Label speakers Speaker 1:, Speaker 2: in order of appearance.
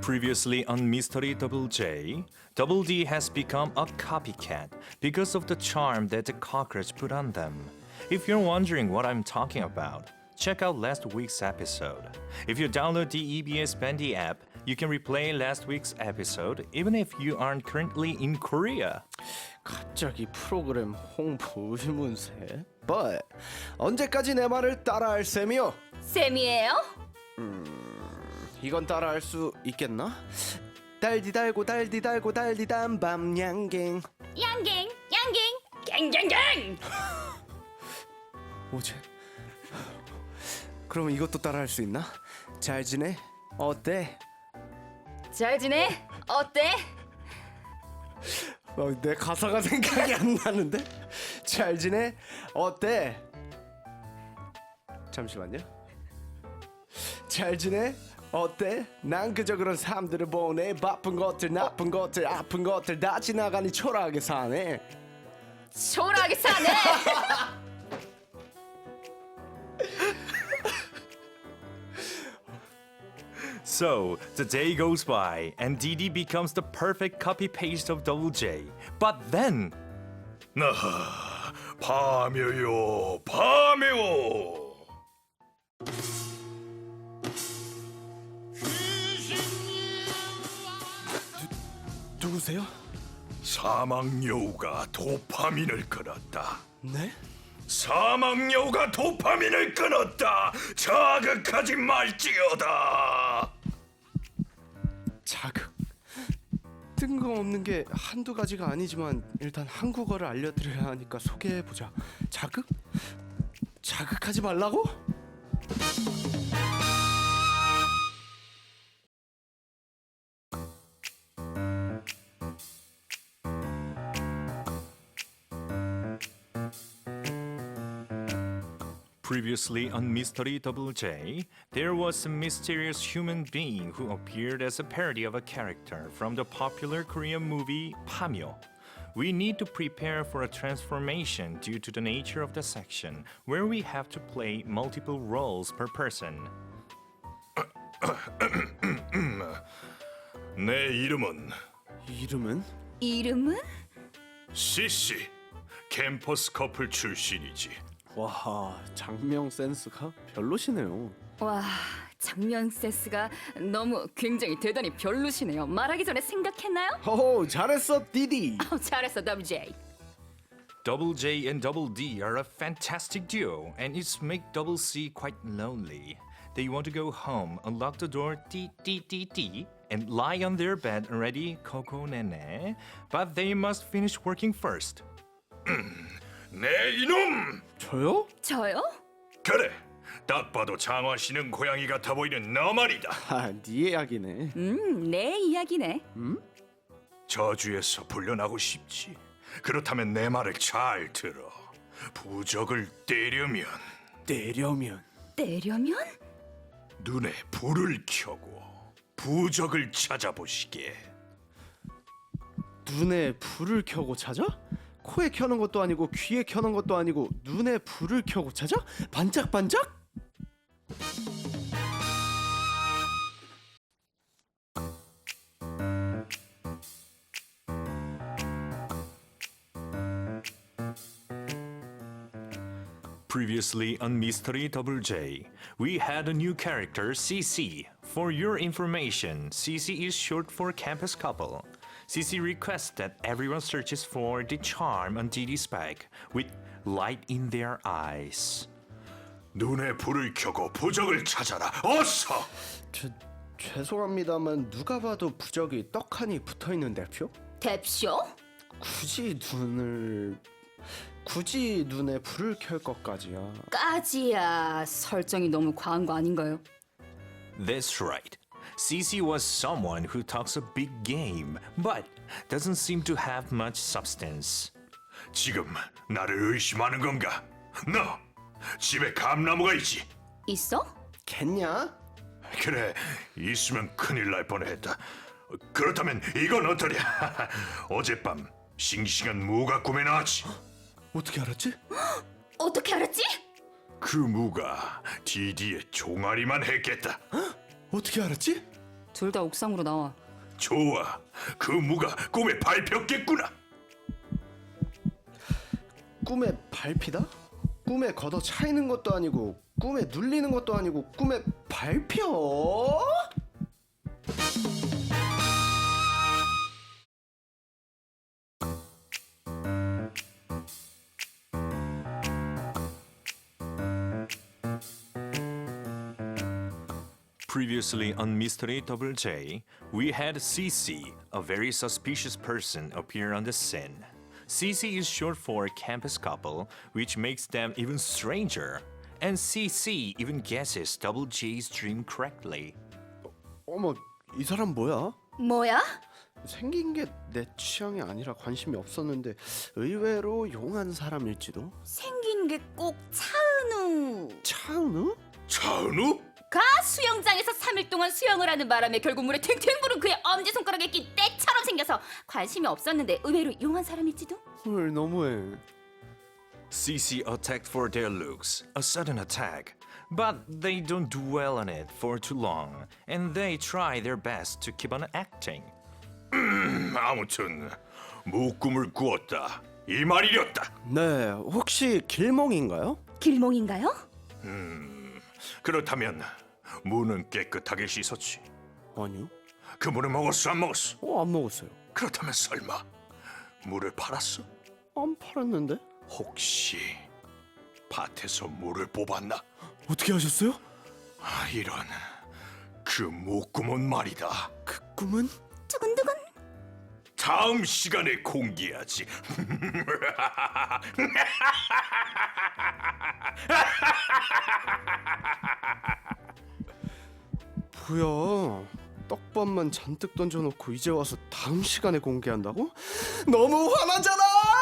Speaker 1: Previously on Mystery Double J, Double D has become a copycat because of the charm that the cockroach put on them. If you're wondering what I'm talking about, check out last week's episode. If you download the EBS Bendy app, you can replay last week's episode even if you aren't currently in Korea.
Speaker 2: 갑자기 프로그램 홍보 의문세? But 언제까지 내 말을 따라할 셈이요?
Speaker 3: 쌤이에요?
Speaker 2: 이건 따라할 수 있겠나? 달디 달고 달디 달고 달디 단밤 양갱
Speaker 3: 양갱 갱갱갱
Speaker 2: 오제 그럼 이것도 따라할 수 있나? 잘 지내? 어때?
Speaker 3: 잘 지내? 어때?
Speaker 2: 내 가사가 생각이 안 나는데? 잘 지내? 어때? 잠시만요. 잘 지내? 어때? 난 그저 그런 사람들을 보내. 바쁜 것들 나쁜 것들 아픈 것들 다 지나가니 초라하게 사네.
Speaker 3: 초라하게 사네.
Speaker 1: So, the day goes by and DD becomes the perfect copy-paste of Double J. But then...
Speaker 4: 밤에요, 밤에요.
Speaker 2: 누구세요?
Speaker 4: 사막여우가 도파민을 끊었다.
Speaker 2: 네?
Speaker 4: 사막여우가 도파민을 끊었다. 자극하지 말지어다.
Speaker 2: 자극? 뜬금없는 게 한두 가지가 아니지만 일단 한국어를 알려드려야 하니까 소개해보자. 자극? 자극하지 말라고?
Speaker 1: Previously on Mystery Double J, there was a mysterious human being who appeared as a parody of a character from the popular Korean movie Pamyo. We need to prepare for a transformation due to the nature of the section, where we have to play multiple roles per person.
Speaker 4: 내 이름은
Speaker 3: 이름은?
Speaker 4: CC. 캠퍼스 커플 출신이지.
Speaker 2: 와, 장명 센스가 별로시네요.
Speaker 3: 와, 장면 센스가 너무 굉장히 대단히 별로시네요. 말하기 전에 생각했나요?
Speaker 2: 호호, 잘했어, 디디.
Speaker 3: 잘했어, WJ.
Speaker 1: Double J and Double D are a fantastic duo, and it's make Double C quite lonely. They want to go home, unlock the door, and lie on their bed already, Coco Nene. But they must finish working first.
Speaker 4: 내 이놈!
Speaker 2: 저요?
Speaker 3: 저요?
Speaker 4: 그래. 딱 봐도 장화시는 고양이 같아 보이는 너 말이다.
Speaker 2: 아, 네 이야기네.
Speaker 3: 내 이야기네.
Speaker 4: 저주에서 풀려나고 싶지. 그렇다면 내 말을 잘 들어. 부적을 떼려면
Speaker 2: 때려면
Speaker 3: 때려면?
Speaker 4: 눈에 불을 켜고 부적을 찾아보시게.
Speaker 2: 눈에 불을 켜고 찾아? 코에 켜는 것도 아니고 귀에 켜는 것도 아니고 눈에 불을 켜고 찾아? 반짝반짝?
Speaker 1: Previously on Mystery Double J, we had a new character, CC. For your information, CC is short for Campus Couple. CC requests that everyone searches for the charm on DD's back with light in their eyes.
Speaker 4: 눈에 불을 켜고 부적을 찾아라. 어서!
Speaker 2: 죄송합니다만 누가 봐도 부적이 떡하니 붙어있는 대표?
Speaker 3: 대쇼?
Speaker 2: 굳이 눈에 불을 켤 것까지야.
Speaker 3: 까지야. 설정이 너무 과한 거 아닌가요?
Speaker 1: That's right. CC was someone who talks a big game, but doesn't seem to have much substance.
Speaker 4: 지금 나를 의심하는 건가? 너 집에 감나무가 있지?
Speaker 3: 있어?
Speaker 2: 겠냐?
Speaker 4: 그래, 있으면 큰일 날 뻔했다. 그렇다면 이건 어떠랴? 어젯밤 싱싱한 무가 꿈에 나왔지.
Speaker 2: 어떻게 알았지?
Speaker 3: 어떻게 알았지?
Speaker 4: 그 무가 DD의 종아리만 했겠다.
Speaker 2: 어떻게 알았지?
Speaker 3: 둘 다 옥상으로 나와.
Speaker 4: 좋아. 그 무가 꿈에 밟혔겠구나.
Speaker 2: 꿈에 밟히다? 꿈에 걷어 차이는 것도 아니고 꿈에 눌리는 것도 아니고 꿈에 밟혀?
Speaker 1: Previously on Mystery Double J, we had CC, a very suspicious person, appear on the scene. CC is short for campus couple, which makes them even stranger. And CC even guesses Double J's dream correctly.
Speaker 2: 어머, 이 사람 뭐야?
Speaker 3: 뭐야?
Speaker 2: 생긴 게 내 취향이 아니라 관심이 없었는데 의외로 용한 사람일지도.
Speaker 3: 생긴 게 꼭 차은우.
Speaker 2: 차은우?
Speaker 4: 차은우?
Speaker 3: 가 수영장에서 3일 동안 수영을 하는 바람에 결국 물에 탱탱 부른 그의 엄지손가락에 낀 때처럼 생겨서 관심이 없었는데 의외로 용한 사람일지도?
Speaker 2: 헐, 너무해.
Speaker 1: CC attacked for their looks, a sudden attack. But they don't dwell on it for too long, and they try their best to keep on acting.
Speaker 4: 아무튼 무꿈을 꾸었다. 이 말이었다.
Speaker 2: 네, 혹시 길몽인가요?
Speaker 3: 길몽인가요?
Speaker 4: 그렇다면 무는 깨끗하게 씻었지.
Speaker 2: 아니요.
Speaker 4: 그 무는 먹었어 안 먹었어?
Speaker 2: 안 먹었어요.
Speaker 4: 그렇다면 설마 무를 팔았어?
Speaker 2: 안 팔았는데?
Speaker 4: 혹시 밭에서 무를 뽑았나?
Speaker 2: 어떻게 하셨어요?
Speaker 4: 아, 이런 그 무꿈은 말이다.
Speaker 2: 그 꿈은?
Speaker 3: 두근두근.
Speaker 4: 다음 시간에 공개하지.
Speaker 2: 뭐야? 떡밥만 잔뜩 던져놓고 이제 와서 다음 시간에 공개한다고? 너무 화나잖아!